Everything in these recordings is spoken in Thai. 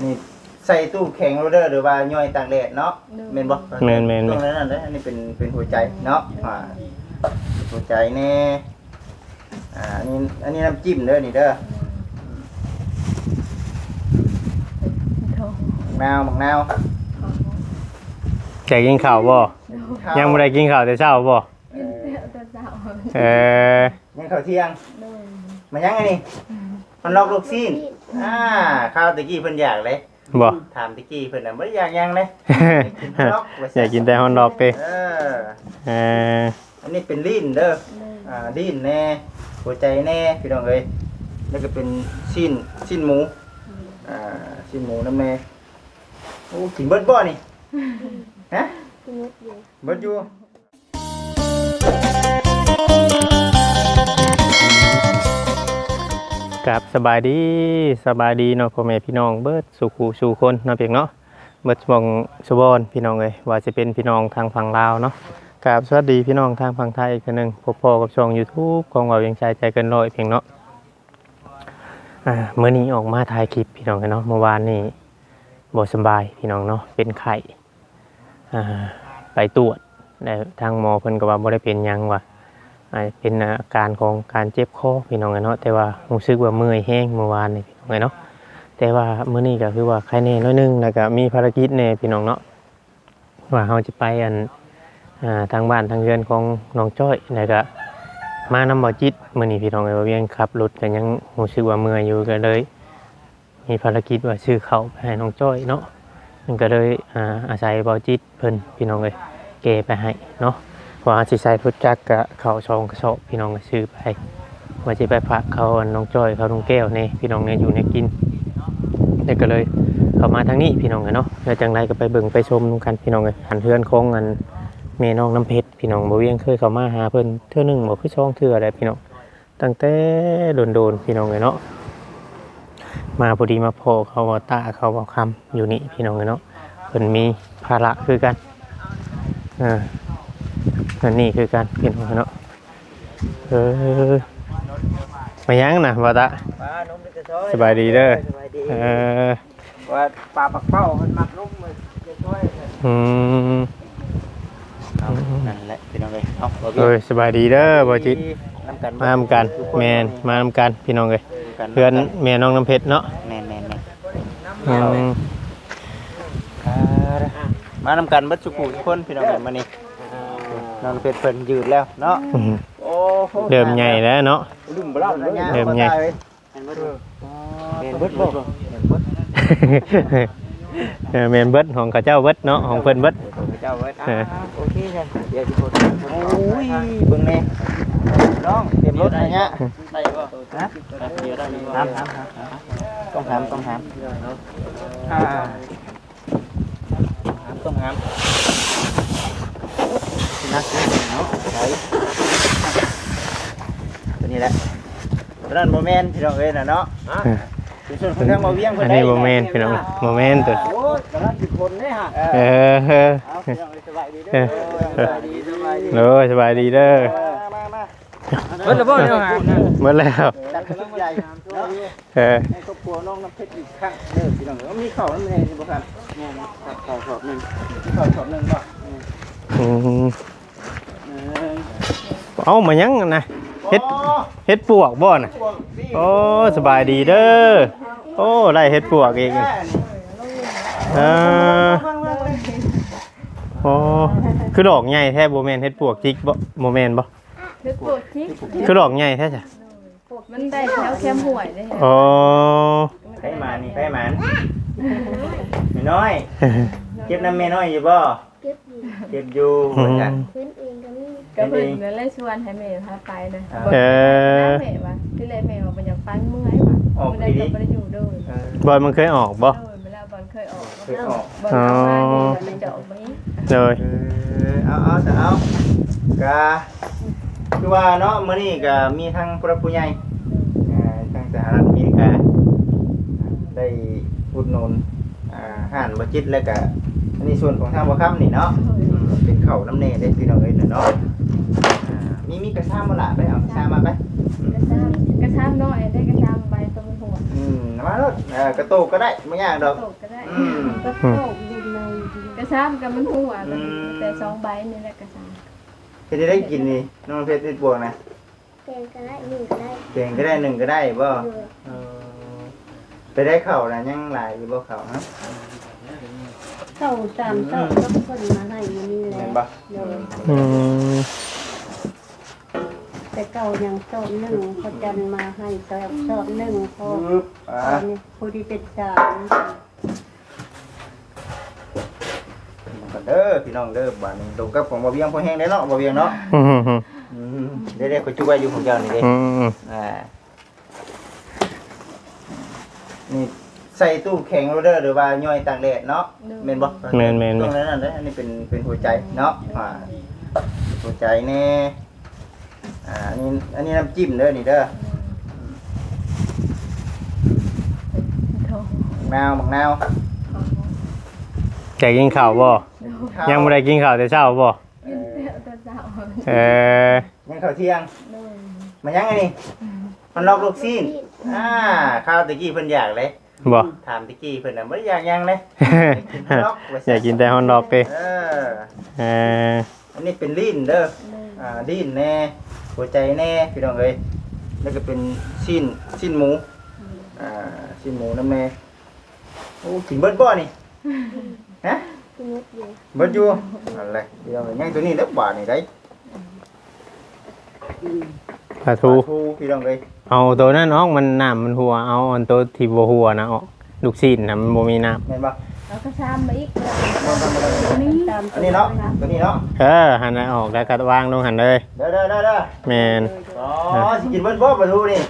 นี่ใส่ตู้แข็งโรเดอร์หรือว่าย่อยต่างแดดเนาะเมนบ่เมนตรงนั้นเลยอันนี้เป็นหัวใจเนาะหัวใจแน่อันนี้น้ำจิ้มเด้อนี่เด้อมังนาวแกกินข้าวบ่ยังบ่ได้กินข้าวแต่เช้าบ่ยังข้าวเที่ยงมายังไงนี่มันลอกลูกซีนข้าวตะกี้เพิ่นอยากเลยบ่ถามตะกี้เพิ่นน่ะบ่ได้อยากยังเลยอยากกินแต่ฮอนดอกเด้อันนี้เป็นลิ้นเด้อลิ้นแน่หัวใจแน่พี่น้องเอ้ยแล้วก็เป็นชิ้นหมูชิ้นหมูน้ำแม่โอ้กินเบิดบ่นี่ฮะเบิดอยู่กับสบายดีเนาะพ่อแม่พี่น้องเบิดสู่คนเนาะเพียงเนาะเบิดมองสุบอนพี่น้องเอ้ยว่าจะเป็นพี่น้องทางฝั่งลาวเนาะกับสวัสดีพี่น้องทางฝั่งไทยอีกนึงพบพ่อกับช่อง YouTube ของเรายังใจเกินร้อยเพียงเนาะมื้อนี้ออกมาถ่ายคลิปพี่น้องเนาะเมื่อวานนี้บ่สบายพี่น้องเนาะเป็นไข้ไปตรวจแต่ทางหมอเพิ่นก็ว่าบ่ได้เป็นหยังว่าเป็นอาการของการเจ็บคอพี่น้องเนาะแต่ว่ารู้สึกว่าเมื่อยแห้งเมื่อวานนี่พี่น้องเนาะแต่ว่ามื้อนี้ก็คือว่าไข้แน่น้อยนึงแล้วก็มีภารกิจแน่พี่น้องเนาะว่าเฮาจะไปทางบ้านทางเรือนของน้องจ้อยแล้วก็มานำบ่จิตมื้อนี้พี่น้องว่าเวียงขับรถก็ยังรู้สึกว่าเมื่อยอยู่ก็เลยมีภารกิจว่าซื้อข้าวไปให้น้องจ้อยเนาะมันก็เลยอาศัยบ่จิตเพิ่นพี่น้องเอ้ยเกไปให้เนาะว่าสิใส่รถจักรก็เข้าช่องกระสอบพี่น้องก็ซื้อไปว่าสิไปฝากเขาน้องจ้อยเขาน้องแก้วนี่พี่น้องเนี่ยอยู่ในกินแล้วก็เลยเข้ามาทางนี้พี่น้องเนาะแล้วจังไดก็ไปเบิ่งไปชมกันพี่น้องเอ้ยอันเฮือนของอันแม่น้องน้ำเพชรพี่น้องบ่เวียงเคยเข้ามาหาเพิ่นเทื่อนึงบ่คือ2เทื่อได้พี่น้องตั้งแต่โดนๆพี่น้องเอ้ยเนาะมาพอดีมาพอเขาว่าตาเขาว่าคำอยู่นี่พี่น้องเอ้ยเนาะเพิ่นมีภาระคือกันอันนี้คือการเปลี่ยนหัวเนาะมายังนะบ่ตาสบายดีเด้อว่าปลาปักเป้ามันมักลุ่มเลยจะช่วยนั่นแหละพี่น้องเลยสบายดีเด้อบ่จิตมานำกันแม่นมานำกันพี่น้องเลยเพื่อนแม่น้องน้ำเพชรเนาะแม่มานำกันบัดสุขุทุกคนพี่น้องเลยมานี่น้องเพชรเพิ่นยืดแล้วเนาะเริ่มใหญ่แล้วเนาะเริ่มใหญ่เบิดบ่แม่นเบิดของข้าเจ้าเบิดเนาะของเพิ่นเบิดเจ้าเบิดโอเคจ้ะเดี๋ยวสิโอ้ยเบิ่งแน่น้องเตรียมรถอะไรเงี้ยได้บ่ฮะเดี๋ยวได้ต้องถามต้องถามนักเนาะใช่ตัวนี้แหละตอนนั้นโมเมนต์ที่เราเอ้ยนะเนาะส่วนของทางมาเวียงอันนี้โมเมนต์พี่น้องโมเมนต์ตัวโอ้ยกำลังติดคนเนี่ยฮะสบายดีเด้อสบายดีเด้อเมื่อแล้วเนี่ยเมื่อแล้วจัดกำลังใหญ่ให้ครอบครัวน้องน้ำเพชรอีกครั้งเด้อพี่น้องมีข้าวน้ำแน่นี่บ่ครับเนี่ยนะข้าวสอบนึงข้าวสอบนึงบ่เอามายังนะเฮ็ดปวกบ่น่ะโอ้สบายดีเด้อโอ้ได้เฮ็ดปวกเองโอ้คือดอกใหญ่แท้บ่แม่นเฮ็ดปวกจิกบ่แม่นบ่เฮ็ดปวกจิกคือดอกใหญ่แท้จ้ะมันได้แถวแคมห่วยเด้อ๋อไปมานี่ไปหมันแม่น้อยเก็บน้ำแม่น้อยอยู่บ่เก็บอยู่เหมือนกันเพิ่นเองก็เพิ่นนั่นเลยชวนให้แม่พาไปนะแม่ว่าที่แรกแม่ว่าบ่อยากฟังเมื่อยว่ะบ่ได้ก็บ่ได้อยู่ด้วยบอลมันเคยออกบ่เวลาบอลเคยออกบอลเอามานี่มันจะออกมั้ยเลยเอาก็คือว่าเนาะมื้อนี้ก็มีทั้งผู้ใหญ่ทางสหรัฐอเมริกาได้อุดหนุนห้านบ่จิตแล้วก็อันนี้ส่วนของทางบ่ค่ำนี่เนาะเป็นข้าวน้ำแน่ได้พี่น้องเอ้ยเนาะมีกระชามบ่ล่ะไปเอากระชามมาไปกระชามน้อยได้กระชามใบต้นหัวเมาแล้วกระโตกก็ได้ไม่ยากดอกตกก็ได้ก็ตกอยู่ในกระซ้ำกับมันหัวแต่2ใบนี่แหละกระซ้เฮ็ดได้กินนี่น้องเพชรติดบวกนะแกงก็ได้หนึ่งก็ได้เก่งก็ได้หนึ่งก็ได้บ่เลยไปได้เข่านะยังหลายอยู่บ่เข่าฮะเข้าตามเต้าก็คนมาให้มันนี่แหเห็ละนบ่เลยอืมแต่เก่ายังสอบหนึ่งเขาจันมาให้สอบหนึ่งพอปึ๊บตอนนี้ผู้ที่เป็นสามก่อนเด้อพี่น้องเด้อบ้านนี้ตรงกับของบ่เวียงพอแห้งได้เนาะบ่เวียงเนาะอืมเด้ๆขอจุไว้อยู่ของเจ้านี่เด้อืมนี่ใส่ตู้แข็งโรเดอร์หรือว่าย่อยตากแดดเนาะแม่นบ่ตรงนั้นนั่นเด้ออันนี้เป็นหัวใจเนาะหัวใจแน่อันนี้น้ำจิ้มเด้อนี่เด้อำโทบักนาวจะกินข้าวบ่ยังบ่ได้กินข้าวแต่เช้าบ่กินแต่เช้ายังข้าวเที่ยงเลยมายังไงนี่มันลอกลูกซีนข้าวตะกี้เพิ่นอยากเลยบ่ถามตะกี้เพิ่นน่ะบ่ได้อยากยังเลยอยากกินแต่ฮอนดอกเด้อันนี้เป็นลิ้นเด้อลิ้นแน่หัวใจแน่พี่น้องเอ้ยแล้วก็เป็นชิ้นหมูชิ้นหมูน้ำแม่โอ้กินเบิดบ่นี่ฮะที่มุดอยู่เบิดอยู่อะไรเดี๋ยวยังตัวนี้เด้อบาทนี่ได้ปลาทูพี่น้องเอ้ยเอาตัวนั้นออกมันน้ำมันหัวเอาอันตัวที่บ่หัวนะออกลูกชิ้นน่ะมันบ่มีน้ำเห็นบ่แล้วก็ซ้ำมาอีกตามอันนี้เนาะตัวนี้เนาะหันน่ะออกแล้วก็วางลงหันเลยเด้อแม่นอ๋อสิกินเบิดบ่ปลาทูนี่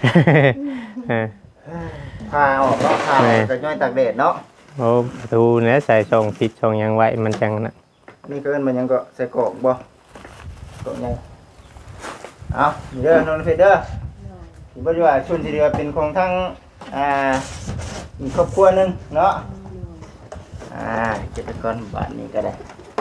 พาออกเนาะพาก็ย่อยตากแดดเนาะโอ้ปลาทูเนี่ยใส่ช่องผิดช่องหยังไว้มันจังน่ะนี่ก็เอิ้นมันยังก็ใส่กรอกบ่กรอกใหญ่เอานี่เด้อน้องเพชรเด้อที่บ่ว่าชุนสิเดือเป็นของทั้งอีกครอบครัวหนึงเนาะเกษตรกรบ้านนี้ก็ได้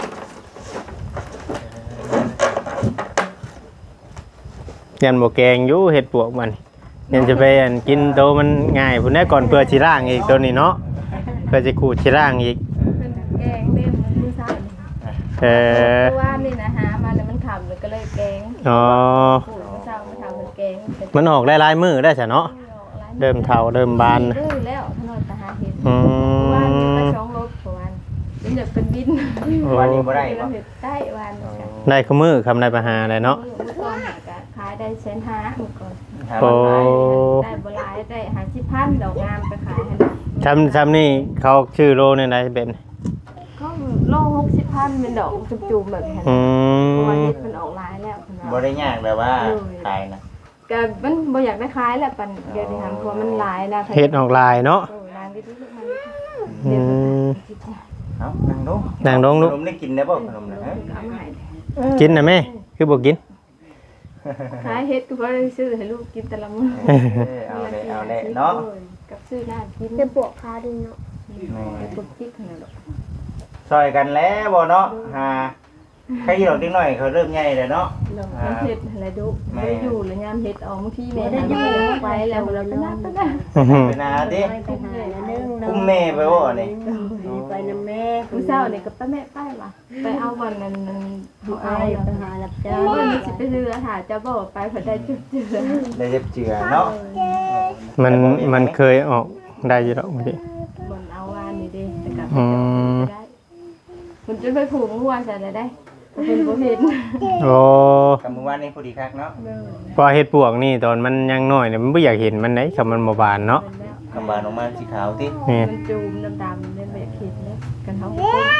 ยันบ่แกงอยู่เฮ็ดปวกมันยันจะไปอันกินโตมันง่ายพุ่นแน่ก่อนเพื่อสิล้างอีกตัวนี้เนาะเพื่อสิขูดสิล้างอีกเป็นแกงเล่มมือซ้าย ว่านี่นะหามาแล้วมันขำเลยก็เลยแกงอ๋อปู่เจ้ามาทำเป็นแกงมันออกหลายๆมื้อได้ซะเนาะเริ่มเฒ่าเริ่มบานดื้อแล้วถนนตาหาเห็ดอืวันนี้ไปมช่องรถประวันเป็นแบบเป็นบินวันนี้บ่ได้บ่ได้วันค่ะได้คือมื้อคำได้ประหาได้เนาะเมื่อก่อนหากขายได้150,000เมื่อก่อนโอ้ได้บ่หลายได้50,000ดอกงามไปขายให้ทำนี่เขาชื่อโลเนี่ยได้เป็นก็โล60,000เป็นดอกจุ่มๆแบบนี้อืเพราะว่าม เฮ็ดมันออกหลายแล้วบ่ได้ยากแบบว่าขายนะก็มันบ่อยากได้ขายแหละปันเดี๋ยวนี้ทำเพราะมันหลายนะเฮ็ดออกลายเนาะนางที่ลูกมันอืมเอานั่งลงนั่งลงลูกขนมได้กินได้บ่ขนมนะฮะเอามาให้กินนะแม่คือบ่กินขายเฮ็ดก็บ่ได้ซื้อให้ลูกกินแต่ละมื้อเอาเลยเนาะกับซื้อน้ำกินจะปวกขาดีเนาะปกติขนาดนั้นซอยกันแล้วบ่เนาะใครที่ดอกเด็กน้อยเขาเริ่มใหญ่แล้วเนาะมันเฮ็ดอะไรดุบ่ได้อยู่แล้วยามเฮ็ดออกบางทีแม่ได้อยู่ไปแล้วเราไปนับไปนะไปนาดิไปหาแล้วนึงอุ้มแม่ไปบ่นี่ไปนำแม่มื้อเช้านี่ก็ไปแม่ไปว่ะไปเอาวันนั้นดูเอาไปหารับจ้างวันนี้สิไปเรือหาจะบอกไปเพิ่นได้จุดเจือได้เจ็บเจือเนาะมันเคยออกได้อยู่ดอกพี่บนเอาวานนี่เด้แต่ก็อืมได้มันจะไปผูกงัวใส่ได้เพิ่นบ่เห็นโอ้กับมื้อวานนี้พอดีคักเนาะพอเฮ็ดปวกนี่ตอนมันยังน้อยเนี่ยมันบ่อยากเห็นมันได้คำมันบ่บานเนาะกำบานออกมาสีขาวตินี่มันจูมดำๆเล่นแบบเห็นเลยกันเฮา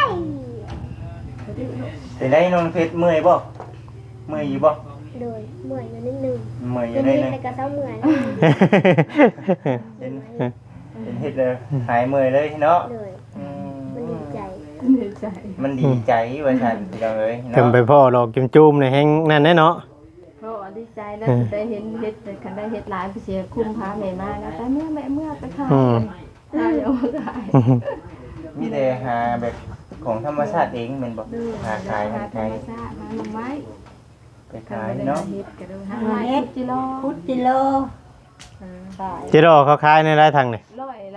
เป็นได้น้องเพชรเมื่อยบ่เมื่อยอยู่บ่โดยเมื่อยนิดนึงเมื่อยอจะยู่ได้มีนึงแต่กระเซ้าเมื่อยเป็นเฮ็ดเลยหายเมื่อยเลยเนาะเลยมันดีใจเหนื่อยใจมันดีใจว่าซั่นพี่น้องเอ้ยเพิ่นไปพ่อดอกจุ่มๆเนี่ยแฮงนั่นแน่เนาะเพราะว่าดีใจนะได้เห็นเฮ็ดแต่คันได้เฮ็ดหลายไปเสียคุ้มพาแม่มานะแต่เมื่อไปขายขายเอาขายมีแต่หาแบบของธรรมชาติเองแม่นบ่หาขายหาธรขาร ยมชาติมาหน่อไม้ไปขายเนาะเฮ็ดก็ดูหาไม้จิโลพุทธิโลขายจิโร่เขาขายในหลายทางนี่ร้อย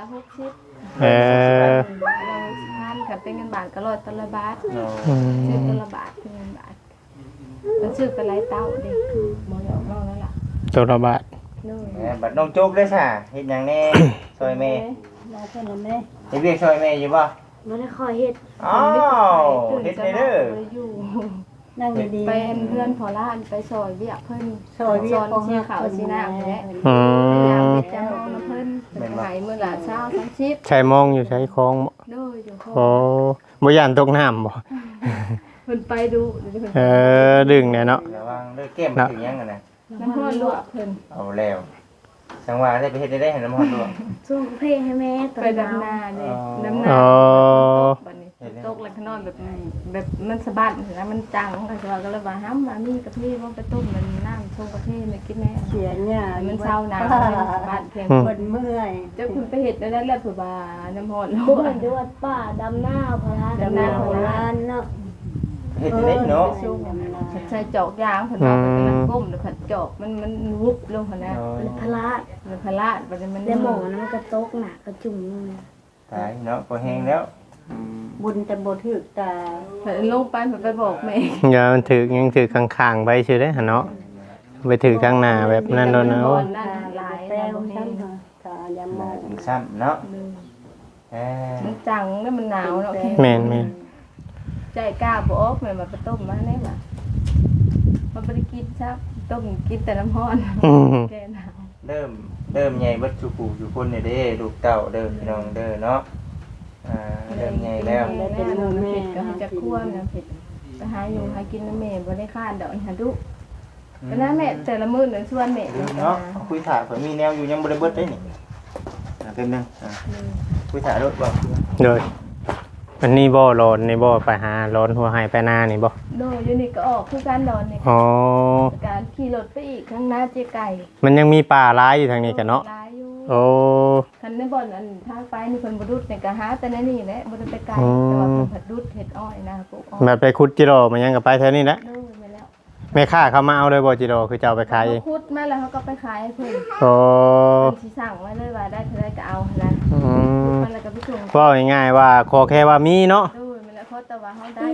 ละ60 เออเรา10,000ค่ะเป็นเงินบาทก็100ตละบาทโอ้ซื้อตละบาทเป็นเงินบาทมันซื้อไปหลายเต้าเด้บ่ได้ออกนอกแล้วล่ะตัวละบาทนู่นแหมบัดน้องโจ๊กได้ซะเฮ็ดหยังแน่ซอยแม่เราเพิ่นน่ะแม่เฮ็ดเวียกซอยแม่อยู่บ่บ่ได้คอยเฮ็ดอ้าวเฮ็ดได้เด้อบ่ได้อยู่นั่งดีๆเป็นเพื่อนพอล้านไปซอยเวียกเพิ่นซอยเวียกซอนสีขาวสีน้ำแหละอืมยามเฮ็ดจังของเพิ่นเป็นไหมื้อละ20 30 ใช้มองอยู่ใช้คลองบ่โดยอยู่โอ้บ่ย่านตกน้ำบ่เพิ่นไปดูเดี๋ยวเพิ่นเออดึงเนี่ยเนาะระวังเด้อแก้มถึงหยังกันน่ะน้ำร้อนลวกเพิ่นเอาแล้วจังว่าได้ไปเฮ็ดได้ให้น้ำมันลวกส่งเพลงให้แม่ตอนไปดำนาเด้ดำนาอ๋อบัดนี้ตกแล้วข้างนอกแบบมันสะบัดนะมันจังก็จะว่าก็เลยว่าห้ามมานี่กะทิบ่ไปต้มมันน้ำชงกะทิมากินแน่เสียหญ้ามันเศร้าหนาวบ้านเพียงเพิ่นเมื่อยเจ้าคุณไปเฮ็ดได้แล้วเผื่อว่าน้ำร้อนลทุกวคนกดูว่าป้าดำหน้าพระดำหน้าโบราณเนาะเฮ็ดได้เนาะใช้จอกยางเพิ่นเอาไปกำลังก้มแล้วผัดจอกมันวุบลงหั่นนะพระมันพลาดบัดนี้มันแล้วหมอนะมันก็ตกหนักกระจุ่มลงเลยตายเนาะพอแห้งแล้วบุญแต่บ่ถึกตาเพิ่นลงไปเพิ่นไปบอกแม่อย่ามันถือยังถือข้างๆไปซื่อเด้อหั่นเนาะไปถือข้างหน้าแบบนั้นโดนเอานั่นหลายแป้แล้ววบ่แห้งซ้ำค่ะตายามอถึงซ้ำเนาะเออมันจังแล้วมันหนาวเนาะแม่นแม่นใจกล้าบ่ออกแม่มาไปต้มมาได้บ่มันบ่ได้กินซับต้มกินแต่น้ำร้อนอืมแกหนาวเริ่มใหญ่เบิดสุกูอยู่คนนี่เด้ลูกเต้าเด้อพี่น้องเด้อเนาะเริ่มใหญ่แล้วแล้วเป็นมือแม่ก็ให้จะคั่วน้ำเผ็ดไปหาอยู่หากินน้ำแม่บ่ได้คาดดอกหาดุก็นะแม่แต่ละมื้อนึงชวนแม่เนาะคุยถ่าข่อยมีแนวอยู่ยังบ่ได้เบิดได้นี่เต็มนึงคุยถ่ารถบ่โดยอันนี้บ่ร้อนนี่บ่ไปหาร้อนหัวไห้ไปหน้านี่บ่โดยอยู่นี่ก็ออกคือการนอนนี่อ๋อการขี่รถไปอีกข้างหน้าเจ๊ไก่มันยังมีป่าร้ายอยู่ทางนี้กันเนาะหลายอยู่โอ้คันในบ่อนอันทางไปนี่เพิ่นบ่ดุดนี่ก็หาแต่ในนี่แหละบ่ได้ไปไกลแต่ว่าเพิ่นผัดดุดเฮ็ดอ้อยนะปลูกอ้อยแบบไปขุดจิโร่มันยังก็ไปแถวนี้แหละโดยไปแล้วแม่ค้าเขามาเอาเลยบ่จิโร่คือจะเอาไปขายเองขุดมาแล้วเขาก็ไปขายให้เพิ่นโอ้เพิ่นสิสั่งไว้เลยว่าได้เท่าใดก็เอาหั่นนะอืมมันแล้วก็ไปส่งว่าง่ายๆว่าขอแค่ว่ามีเนาะโดยมันแล้วเขาแต่ว่าเขาได้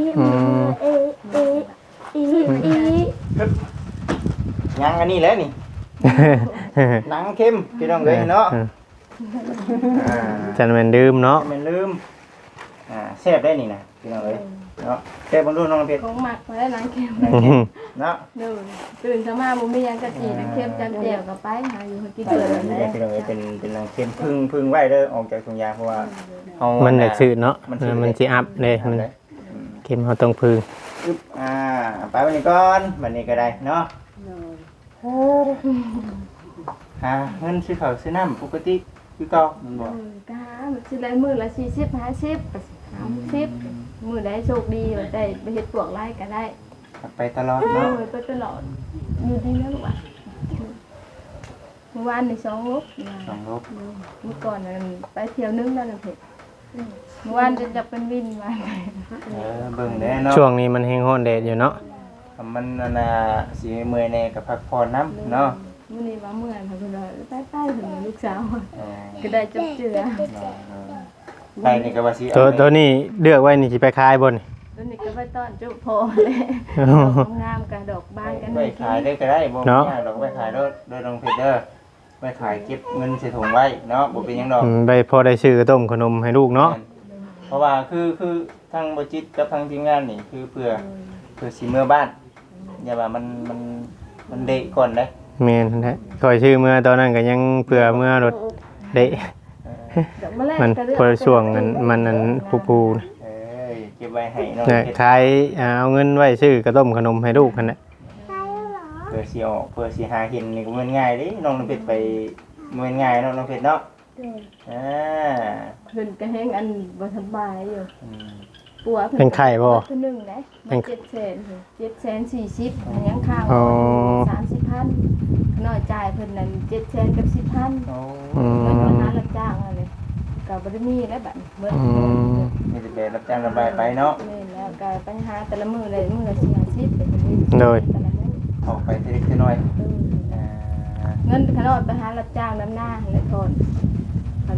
ยังอันนี้แหละนี่หนังเข้มพี่น้องเอ้ยเนาะจันแม่นดื่มเนาะมันลืมแซ่บได้นี่นะพี่น้องเอ้ยเนาะแซ่บบ่รู้น้องเพชรของหมักมาได้นางเค็มเนาะโดยตื่นเช้ามาบ่มีหยังกะจีนางเค็มจำแจ่วก็ไปหาอยู่ให้กินเอเดืออนนี่เลยพี่น้องเอ้ยเป็นหนังเข้มพึ่งไว้เด้อออกจากถุงยางเพราะว่าเฮามันอยากซื้อเนาะมันมันสิอัพเลยมันเข็มเฮาต้องพึ่งอึ๊บไปวันนี้ก่อนวันนี้ก็ได้เนาะเงินซื้อข้าวซื้อน้ำปกติคือเก่ามันบ่ก็หามันสิได้มื้อละ40 50 30มื้อใดโชคดีว่าได้ไปเฮ็ดพวกไร่ก็ได้ไปตลอดโอ้เนาะยไปตลอดอยู่ที่นั่นว่ะเมื่อวานนี่2ลูก 2ลบเมื่อก่อนนั้นไปเที่ยวนึงแล้วนะเพิ่นเมื่อวานจะเป็นวินมาเบิ่งแน่เนาะช่วงนี้มันแห้งร้อนแดดอยู่เนาะมันสิเมื่อยแน่ก็พักผ่อนน้ำเนาะมื้อนี้ว่าเมื่อยค่ะเพิ่นว่าไปๆถึงลูกสาวก็ได้จับเจือไปนี่ก็ว่าสิตัวนี้เลือกไว้นี่สิไปขายบ่นี่ตัวนี้ก็ไปต้อนจุพอแหละดอกงามกับดอกบานกันไปขายได้ก็ได้บ่มีหยังดอกไปขายโดยน้องเพชรเด้อไปขายเก็บเงินใส่ถุงไว้เนาะบ่เป็นหยังดอกไปพอได้ซื้อต้มขนมให้ลูกเนาะเพราะว่าคือทางบ่จิตกับทางทีมงานนี่คือเพื่อสิเมื่อบ้านอย่าว่ามันเดะก่อนเด้แม่นแท้คอยชื่อเมื่อตอนนั้นก็ยังเผื่อเมื่อรถเดะดอกมะแลงมันก็เลือกพอช่วงมันอันปูๆนะเอ้ยเก็บไว้ให้น้องเนี่ยเพชรขายเอาเงินไว้ซื้อกระต้มขนมให้ลูกคั่นน่ะเพื่อสิออกเพื่อสิหาเห็นนี่ก็มันง่ายเด้น้องน้ำเพชรไปมันง่ายเนาะน้องเพชรเนาะอ่าเพิ่นก็แฮงอันบ่สบายอยู่อืมปัวเป็นไข้บ่เพิ่นนึงนะมัน740,000อันยังค้างอ๋อ 30,000น้อยจ่ายเพิ่นนั่น700,000กับ10,000 โอ้อืเงินมวันนั้นรับจ้างอะไรก็บ่ได้มีแล้วบัดเบิดอืมมีแต่แบบรับจ้างระบายไปเนาะนี่แล้วก็ปัญหาแต่ละมื้อเลยมื้อละ40เป็นมื้อโดยแต่ละมื้อออกไปทีเล็กทีน้อยอ่าเงินขนาดไปหารับจ้างน้ำหน้าและทนคันมาปลูก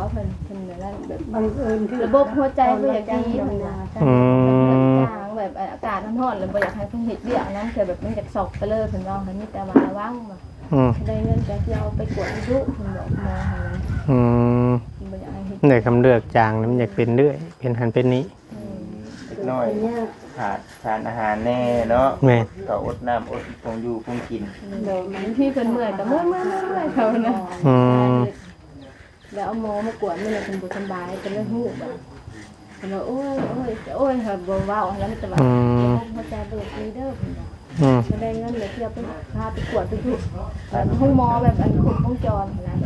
เพิ่นนั่นแบบบังเอิญคือระบบหัวใจเพิ่นอยากดีธรรมเพิ่นดาว่า จางแบบอากาศร้อนๆแล้วบ่อยากให้เพิ่นเฮ็ดเวียกนั้นคือแบบมันอยากสอกไปเลยเพิ่นว่าเพิ่นมีแต่ว่าระวังว่าอืมได้เงินจะสิเอาไปกวดดุเพิ่นบอกมาหั่นนะอืมเพิ่นบ่อยากให้เฮ็ดเด็กคำเลือกจางนี่มันอยากเป็นเรื่อยเป็นหันเป็นนี้เล็กน้อยขาดสารอาหารแน่เนาะแม่ก็อดน้ำอดคงอยู่คงกินเดี๋ยวมันพี่เพิ่นเมื่อยก็เมื่อยเขานะอืมแล้วเอาหมอมากวดมื้อนี้เพิ่นบ่สบายก็เลยฮู้ว่าเพิ่นว่าโอ้ยเฮาบ่เว้าแล้วมันจะว่าหัวใจเบิดมีเด้อเพิ่นว่าอืมก็ได้เงินเลยเที่ยวไปพาไปกวดไปทุกห้องหมอแบบอันครบวงจรนะ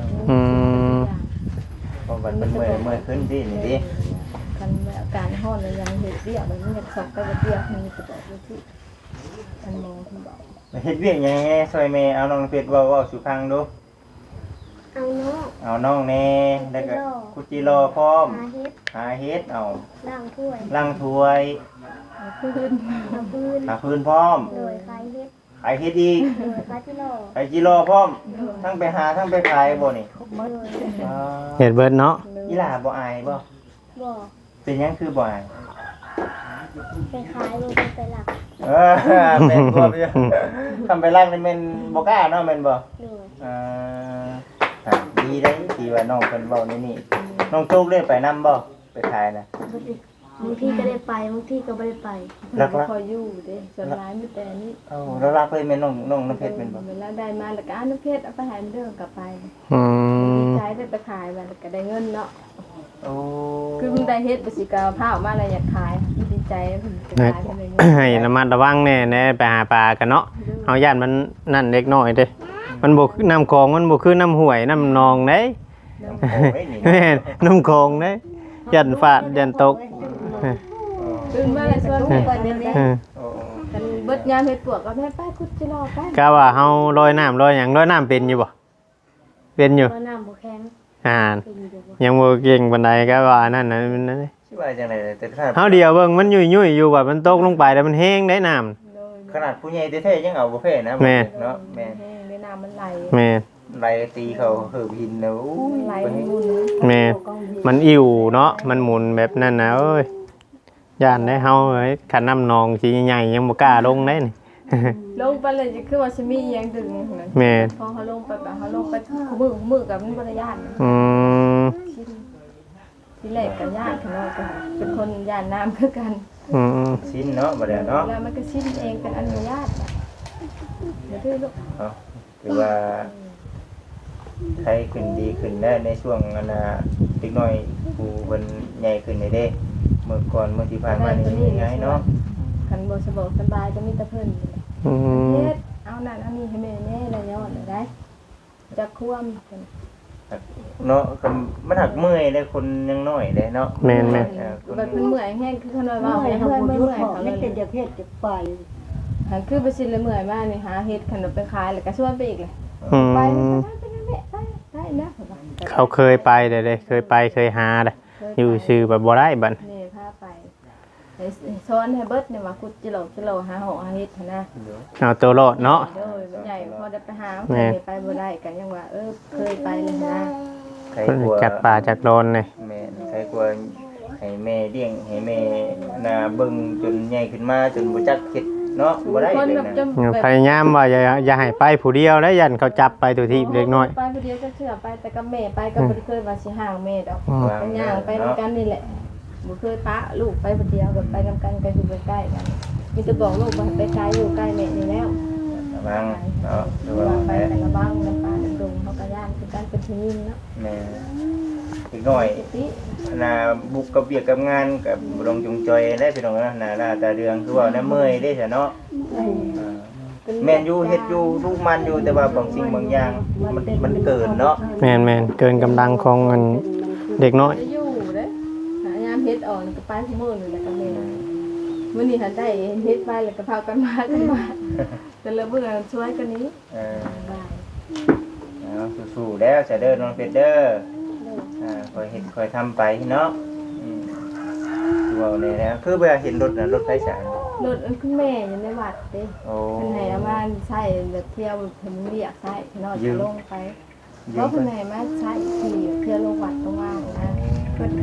เพราะวันมันเมื่อยขึ้นที่นี่ดิคันอาการห้อนเลยยังเห็ดเบี้ยมันอยากสอบไปเบี้ยมันจะบอกว่าที่อันหมอคุณบอกเฮ็ดเวียกหยังไงซอยแม่เอาน้องเป็ดเว้าสู่ฟังดูเอาเนาะเอาน้องแน่แล้วก็คุจิรอพร้อมหาเฮ็ดหาเฮ็ดเอาล้างถ้วยล้างถ้วยพื้นหาพื้นหาพื้นพร้อมโดยคลายเฮ็ดขายเฮ็ดอีกโดยคลายที่รอขายจิรอพร้อม ทั้งไปหาทั้งไปขายบ่นี่โดยอ่าเห็ดเบิดเนาะอีหล่าบ่อายบ่บ่เป็นหยังคือบ่อายไปขายบ่ไปหลักเออแม่นบ่พี่ทำไปล้างนี่แม่นบ่กล้าเนาะแม่นบ่โดยอ่าอ่ะดีได้ที่ว่าน้องเพิ่นเว้านี่นี่น้องโชคได้ไปนํบ่ไปขายนะบางทีก็ได้ไปบางทีก็ไม่ได้ไปแล้วก็คอยอยู่เด้ส่วนร้ายไม่แต่นี่เอ้าแล้วรักเลยแม่นน้องน้ำเพชรแม่นบ่เวลาได้มาแล้วก็น้ำเพชรเอาไปหายเรื่องกลับไปอืมดีใจได้ไปขายมาแล้วก็ได้เงินเนาะโอ้คือมึงได้เฮ็ดไปสิกาผ้าออกมาอะไรอยากขายดีใจเพิ่นจะขายไปเลยให้ระมัดระวังแน่แน่ไปหาปลากันเนาะเอาย่านมันนั่นเล็กน้อยเด้มันบ่คือน้ำคลองมันบ่คือน้ำห้วยน้ำนองเด้โอ้ยนี่แม่นน้ำคลองเด้ยันฟาดยันตกตื่นมาเลยส่วนไปก่อนเนี่ยเออโอ้กันเบิดยามเฮ็ดปวกก็แม่ไปคุดจิรอไปกะว่าเฮาลอยน้ำลอยหยังลอยน้ำเป็นอยู่บ่เป็นอยู่เพราะน้ำบ่แข็งเป็นอยู่เดี๋ยวบ่ยังบ่เก่งปานใดก็ว่านั่นน่ะมันนั่นชื่อว่าจังไดแต่ถ้าเฮาเดียวเบิ่งมันยุ่ยๆอยู่ว่ามันตกลงไปแล้วมันแห้งได้น้ำขนาดผู้ใหญ่แท้ๆยังเอาบ่แพ้นะแม่เนาะแม่แห้งในน้ำมันไหลแม่นไล่ตีเขาเหือบหินนะโอ้ยไหลไปมันให้มุนแม่นมันอิ่วเนาะมันหมุนแบบนั้นนะเอ้ยย่านได้เฮาเอ้ยคันน้ำนองสิใหญ่ๆยังบ่กล้าลงได้นี่ลงไปเลยจะคือว่าสิมียังดึงนั่นแม่นพอเขาลงไปแบบเขาลงไปมือกับมันบริยานอืมที่แรกกับญาติเขาก็เป็นคนญาติน้ำคือกันอืมชิ้นเนาะบ่ได้เนาะแล้วมันก็ชิ้นเองเป็นอนุญาตเดี๋ยวที่ลูกเนาะถือว่าใครขึ้นดีขึ้นได้ในช่วงอันน่ะเด็กน้อยผู้เพิ่นใหญ่ขึ้นได้เด้เมื่อก่อนเมื่อที่ผ่านมานี่ยังไงเนาะขันโบสบสบายก็มีแต่เพิ่นอืมเฮ็ดเอานั่นเอานี่ให้แม่แน่ละย้อนได้จะควมเนาะก็มันหักเมื่อยได้คนยังน้อยได้เนาะแม่นแบบเพิ่นเมื่อยแห้งคือเขาน้อยว่าเมื่อยเมื่ทำบุญยุอยทธ์เขาไม่เลยเป็นจะเพศจะไปหันคือไปชินเลยเมื่อยมากนี่หาเฮ็ดขนมไปขายแล้วก็ชวนไปอีกเลยอืมไปได้นะเขาเคยไปเด้เคยไปเคยหาเด้อยู่ชื่อแบบบ่ได้บัดนี่พาไปซ้อนให้เบิดเนี่ยว่าคุดจิโลหาหอหาเฮ็ดนะเอาตัวรอดเนาะโดยมันใหญ่พอได้ไปหาไปบ่ได้กันยังว่าเคยไปเลยนะใครกลัวจักป่าจักโดนนี่แม่ใครกลัวให้แม่เลี้ยงให้แม่น่ะเบิ่งจนใหญ่ขึ้นมาจนบ่จักเฮ็ดเนาะบ่ได้คนเลยแบบนะจนพยายามว่าอย่าให้ไปผู้เดียวแล้วยันเขาจับไปตัวที่เล็กน้อยไปผู้เดียวจะเชื่อไปแต่กับแม่ไปก็บ่ได้เคยว่าสิห่างแม่ดอกวางเป็นย่างไปนำกันนี่แหละบ่เคยปะลูกไปผู้เดียวกับไปนำกันก็อยู่ใกล้ๆกันมีแต่บอกลูกว่าไปไกลอยู่ใกล้แม่นี่แล้วระวังเนาะระระวัวังงไปแม่แต่ละบ้างน้ำปลาน้ำดงเขาก็ย่านคือการเป็นทีมเนาะแม่อีกหน่อยติน่ะบุกกับเบียกกับงานกับบ่ต้องจงจอยได้พี่น้องนะน่ะตาเรืองคือว่าน่ะเมื่อยเด้ซะเนาะแม่นอยู่เฮ็ดอยู่ลูกมันอยู่แต่ว่าบางสิ่งบางอย่างมันเกินเนาะแม่นเกินกำลังของอันเด็กน้อยจะอยู่เด้หายามเฮ็ดอ่อนก็ไปที่มื้อนี่แหละกับแม่มื้อนี้หันได้เฮ็ดไปแล้วก็พากันมาแต่ละมื้อช่วยกันนี้เออเอาสู้ๆแล้วจะเด้อน้องเพชรเด้อคอยเฮ็ดคอยทำไปเนาะว้าวนี่นะคือเวลาเห็นรถน่ะรถไฟฉายรถคุณแม่อยู่ในวัดเด้โอ้เพิ่นให้เอามาใช้แบบเที่ยวเพิ่นเรียกใช้เนาะจะลงไปเพราะเพิ่นให้มาใช้ที่เที่ยวลงวัดตรงว่างนะ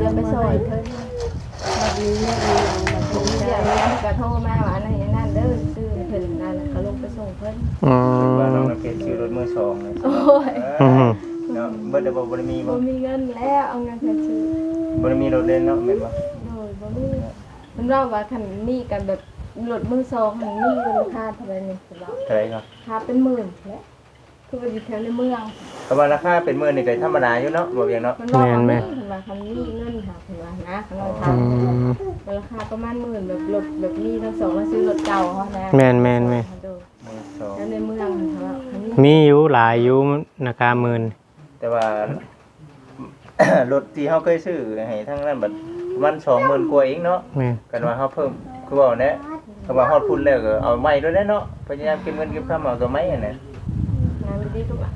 เลยไปซอยเพิ่นแบบนี้เนี่ยเราแบบผมนี้เดี๋ยวได้นี้ก็โทรมาว่าอันนั้นนั่นเด้อซื้อเพิ่นนั่นน่ะก็ลงไปส่งเพิ่นอืว่าน้องมน้ำเพชรซื้อรถมือสองเลยโอ้ยเนาะเบิดเดบ่ได้มีบ่บ่มีเงินแล้วเอาเงินไปซื้อบ่ได้มีรถเล่นเนาะแม่นบ่โดยบ่มีมันว่าว่าคันนี้กันแบบรถมือ2หันมีราคาเท่าไหร่นี่สิว่าเท่าไหร่ครับค่าเป็นหมื่นแหละคือว่าอยู่แถวในเมืองก็ว่าราคาเป็นมื้อนี่ก็ธรรมดาอยู่เนาะบ่เพียงเนาะมันว่าว่ามีเพิ่นว่าคันนี้เงินหาเพิ่นว่านะคันเราถาอืมมราคาประมาณหมื่นแบบรถแบบนี้ทั้งสองแล้วซื้อรถเก่าเขานะแม่นๆมือสองแล้วในเมืองเขาว่าคันนี้มีอยู่หลายอยู่ราคาหมื่นแต่ว่า รถที่เฮาเคยซื้อให้ทั้งนั้นบัดประมาณ20,000กว่าเองเนาะแม่นกันว่าเฮาเพิ่มคือว่าแน่ก็ว่าฮอดพุ่นแล้วก็เอาไม้ด้วยแน่เนาะพยายามเก็บเงินเก็บคำเอาตัวไม้อันนั้นงานไม่ดีทุกอ่ะ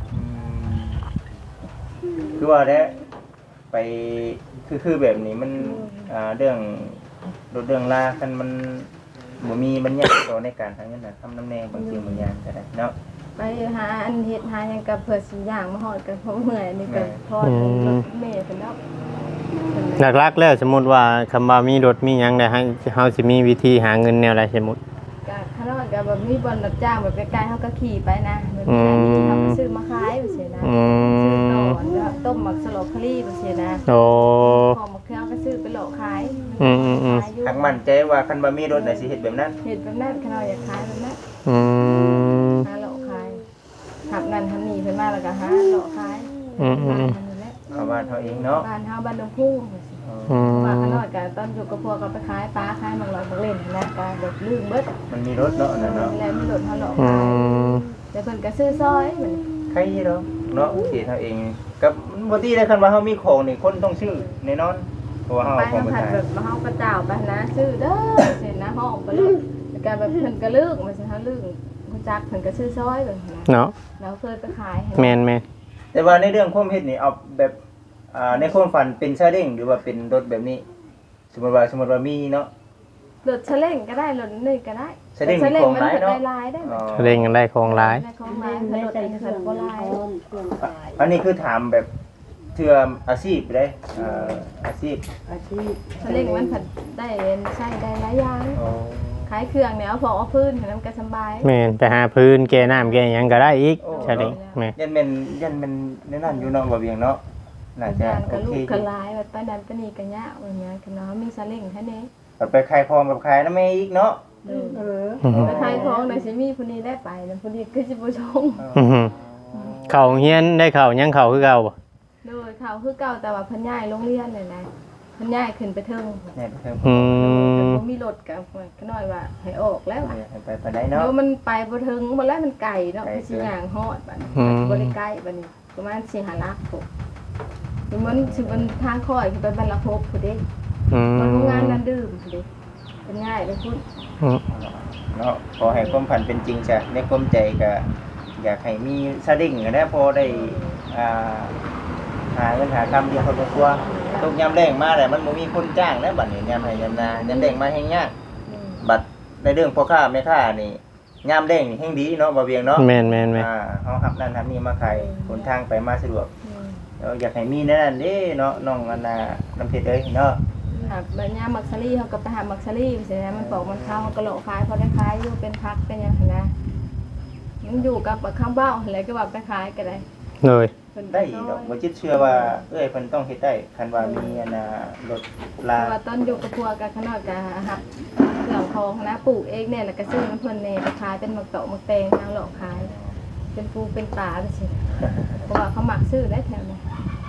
คือว่าแท้ไปคือแบบนี้มันเรื่องรถเรื่องลาคันมันบ่มีบัญญัติต่อในการทางนั้นน่ะทำน้ำแน่บางสิ่งบางอย่างก็ได้เนาะไปหาอันเฮ็ดหาหยังกับเผื่อสิอย่างมาฮอดกันเพราะเมื่อยนี่ก็ทอดรถเมล์เพิ่นแล้วหลักๆแล้วสมมุติว่าคำว่ามีรถมีหยังได้ให้เฮาสิมีวิธีหาเงินแนวใดสมมุติก็ข้างนอกก็แบบมีบ่อนรับจ้างแบบใกล้ๆเฮาก็ขี่ไปนะแบบนี้เฮาก็ซื้อมาขายว่าซี่นะอืซื้อตมอนก็ต้มหมักสโลคารีว่าซี่นะโอ้ของมะเขือก็ซื้อไปหลอกขายทางมั่นใจว่าคันบ่มีรถน่ะสิเฮ็ดแบบนั้นเห็ดแบบนั้นข้างนอกอยากขายแบบนั้นอืมหาหลอกขายหับนั่นหันนี่เพิ่นมาแล้วก็หาหลอกขายอืมบ้านเฮานี่แหละเอาบ้านเฮาเองเนาะบ้านเฮาบ้านดงพุ่งอืมว่าข้างนอกก็ตอนอยู่กับพวกก็ไปขายปลาขายมังลอยมังเล่นนะก็แบบลืมเบิดมันมีรถเนาะนั่นเนาะแล้วมีรถเฮาหลอกอืขายมแต่เพิ่นก็ซื้อซอยเหมือนใครเนาะเนาะสิเฮาเองกับบ่ตีได้คันว่าเฮามีของนี่คนต้องซื้อแน่นอนเพราะว่าเฮาไปเอาของทำไปผัดขายแบบมาเฮาก็เจ้าไปนะซื้อเด้อเสร็จนะห้องไปเลยแล้วก็แบบเพิ่นก็ลึกมันสิเฮาลึกรู้จักเพิ่นก็ซื้อซอยแบบนะเนาะแล้วเคยไปขายให้แม่นแต่ว่าในเรื่องความเฮ็ดนี่เอาแบบในความฝันเป็นซาเล้งหรือว่าเป็นรถแบบนี้ สมมุติว่ามีเนาะรถเฉล่งก็ได้รถนี่ก็ได้เฉล่งมีของหลายเนาะได้หลายได้อ๋อๆเร่งกันได้ของหลายได้ของหลายไม่รถใส่อันนี้เครื่เพิ่อน งบ่ลาหลายเครื่องขายอันนี้คือถามแบบเทื่ออาชีพได้อาชีพอาชีพเฉล่งมันผัดได้ใช้ได้หลายอย่างอ๋อขายเครื่องเนี่ยเอาพอเอาพื้นให้มันก็สบายแม่นไปหาพื้นแก้น้ำแก้หยังก็ได้อีกใช่เด้แม่นยันเป็นในนั้นอยู่เนาะบ่เวียงเนาะน่าจะงานโอก็ลูเคกอก็ยู่หลายแบบไปนั้นไปนี่ก็ยากแบบนี้ก็เนาะมีเฉล่งแค่นี้ไปขายของกับขายนำแม่อีกเนาะเออไปขายของน่ะสิมีผู้นี้ได้ไปแล้วผู้นี้ก็สิบ่ชงอื้อหือเข้าเฮียนได้เข้ายังเข้าคือเก่าบ่โดยเขาคือเก่าแต่ว่าเพิ่นย้ายโรงเรียนเลยนะเพิ่นย้ายขึ้นไปเทิงเนี่ยเพิ่มอืมบ่มีรถก็ก็น้อยว่าให้ออกแล้วอะไปได้เนาะเดี๋ยวมันไปบ่ถึงบ่แล้วมันไกลเนาะไกลคือสิย่างฮอดบัดนี้อืมบ่ได้ใกล้บัดนี้ประมาณ4-5ลักพวกมันสิมันทางค่อยขึ้นไปบรรลักพบพุ่นเด้อืมันมโรงงานนั้นดื่มพุ่นเด้เป็นง่ายเลยพุ่นอืมเนาะขอให้ความฝันเป็นจริงจ้ะในความใจก็อยากให้มีซาเล้งก็ได้พอได้หาเงินหาคำเดียวครอบครัวตกยามแรงมาแล้วมันบ่มีคนจ้างแล้วบัดนี้ยามให้ยามนายามแรงมาแฮงยากบัดในเรื่องพ่อค้าแม่ค้านี่ยามแรงนี่แฮงดีเนาะบ่เวียงเนาะแม่นๆเฮารับนั่นรับนี่มาขายหนทางไปมาสะดวกแล้วอยากให้มีแนั่นเด้เนาะน้องอันน่ะน้ำเพชรเอ้ยเนาะหาบัดยามมักซะลี่เฮาก็ไปหามักซะลี่สินะมันปอกมันเข้าเฮาก็โลขายพอได้ขายอยู่เป็นพักเป็นหยังหั้นนะมันอยู่กับข้างบ้านอะไรก็ว่าไปขายก็ได้เลยเพิ่นได้ดอกบ่จิตเชื่อว่าเอ้ยเพิ่นต้องเฮ็ดได้คันว่ามีอันน่ะรถลาเพราะว่าตอนอยู่กับพวกกันข้างนอกก็หับเครื่องของนะปลูกเองเนี่ยแล้วก็ซื้อน้ำเพิ่นเนี่ยไปขายเป็นหมักเตาะหมักแตงทางหลอกขาย เป็นปูเป็นปลาไปสิเพราะว่าเขาหมักซื้อได้แถวนี้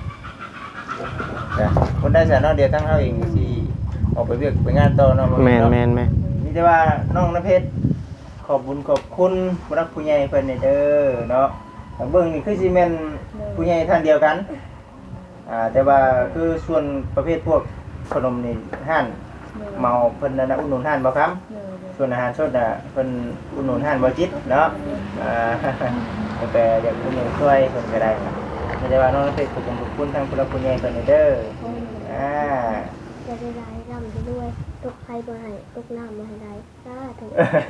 จ้ะคนได้ซะเนาะเดี๋ยวทั้งเฮาเองสิออกไปเวียกไปงานต่อเนาะบ่แม่เนาะนมีแต่ว่าน้องน้ำเพชรขอบบุญขอบคุณผู้รักผู้ใหญ่เพิ่นนี่เด้อเนาะเบิ่งนี่คือสิแม่นผู้ใหญ่ท่านเดียวกันแต่ว่าคือส่วนประเภทพวกขนมนี่ห้านเมาเพิ่นน่ะอุดหนุนห้านบ่ครับ ส่วนอาหารสดน่ะเพิ่นอุดหนุนห้านบ่จิตเนาะแต่อยากอุดหนุนช่วยเพิ่นก็ได้ครับไม่ได้ว่าน้องน้ำเพชรขอบคุณทางผู้รักผู้ใหญ่เพิ่นนี่เด้ออ่าจะได้รายร่ำไปด้วยตกไฟมาให้ตกน้ำมาให้ได้สาธุ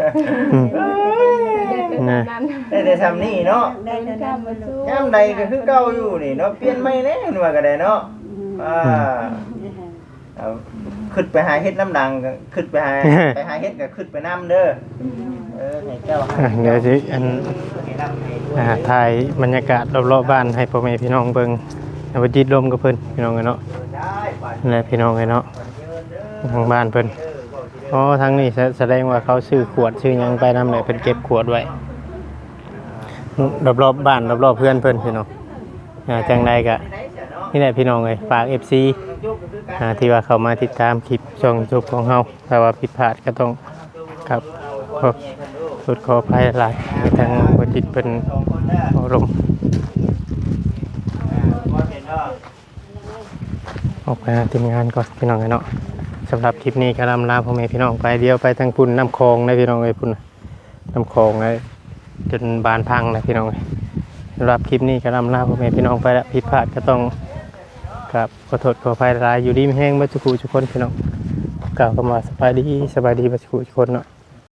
ได้แต่ทำนี่เนาะได้เท่านั้นบ่ลูกยามใดก็คือเก่าอยู่นี่เนาะเปลี่ยนใหม่แน่นว่าก็ได้เนาะอ่าขึ้นไปหาเฮ็ดน้ำดังก็ขึ้นไปหา ไปหาเฮ็ดก็ขึ้นไปน้ำเด้อให้เจ้าหาเดี๋ยวสิอันให้น้ำให้ด้วยถ่ายบรรยากาศรอบๆบ้านให้พ่อแม่พี่น้องเบิ่งเอาไปจิตลมกับเพิ่นพี่น้องเนาะได้ไปนั่นแหละพี่น้องเนาะเดินเด้อทางบ้านเพิ่นอ๋อทางนี้แสดงว่าเขาซื้อขวดซื้อหยังไปนำเลยเพิ่นเก็บขวดไว้รอบๆบ้านรอบๆเพื่อนเพิ่นพี่น้องจังใดก็นี่แหละพี่น้องเอ้ยฝาก FC ที่ว่าเข้ามาติดตามคลิปช่อง YouTube ของเฮาถ้าว่าผิดพลาดก็ต้องครับขออภัยหลายทางบ่จิตเพิ่นอารมณ์ออกไปหาทีมงานก่อนพี่น้องเนาะสำหรับคลิปนี้ก็ลาพ่อแม่พี่น้องไปเดียวไปทางพุ่นน้ำคลองนะพี่น้องเอ้ยพุ่นน้ำคลองเลยจนบานพังนะพี่น้องสำหรับคลิปนี้ก็ลาพ่อแม่พี่น้องไปแล้วผิดพลาดก็ต้องครับขอโทษขออภัยหลายอยู่ดีไม่แห้งบัดจุกุทุกคนพี่น้องกล่าวคำว่าสบายดีบัดจุกุทุกคนเนาะ